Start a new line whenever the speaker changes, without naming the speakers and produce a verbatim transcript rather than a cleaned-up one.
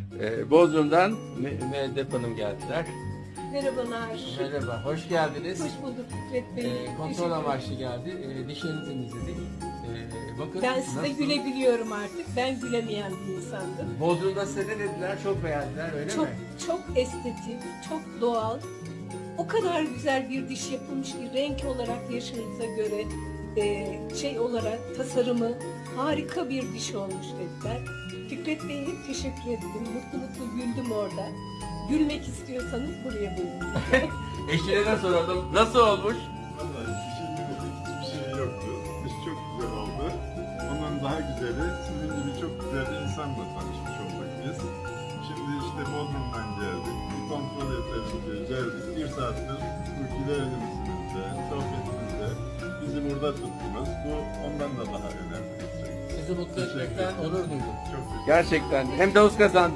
Ee, Bodrum'dan Me- Mehdep Hanım geldiler.
Merhabalar.
Merhaba, hoş geldiniz.
Hoş bulduk Fikret Bey.
Ee, kontrol
Teşekkür
amaçlı geldi. Ee, dişlerinizi temizledik. Ee, bakın
Ben size
nasıl?
gülebiliyorum artık. Ben gülemeyen bir insandım.
Bodrum'da size ne dediler? Çok beğendiler, öyle
Çok
mi?
çok estetik, çok doğal. O kadar güzel bir diş yapılmış ki renk olarak yaşınıza göre e, şey olarak tasarımı harika bir diş olmuş dediler. Fikret Bey'e hep teşekkür ettim. Mutlu mutlu güldüm orada. Gülmek istiyorsanız buraya buyurun.
Eşine de soralım. Nasıl olmuş?
Vallahi düşünmedik hiçbir şey yoktu. İş çok güzel oldu. Ondan daha güzeli sizin gibi çok güzel bir insanla tanışmış olduk biz. Şimdi işte Bodrum'dan geldik. Bir kontrol edelim diye geldik. Bir saattir ülkelerimizde, sohbetimizde bizi burada tuttunuz. Bu ondan da daha önemli.
Sizi mutlu etmekten onur duydum.
Çok teşekkür ederim.
Gerçekten. Hem de kazandı.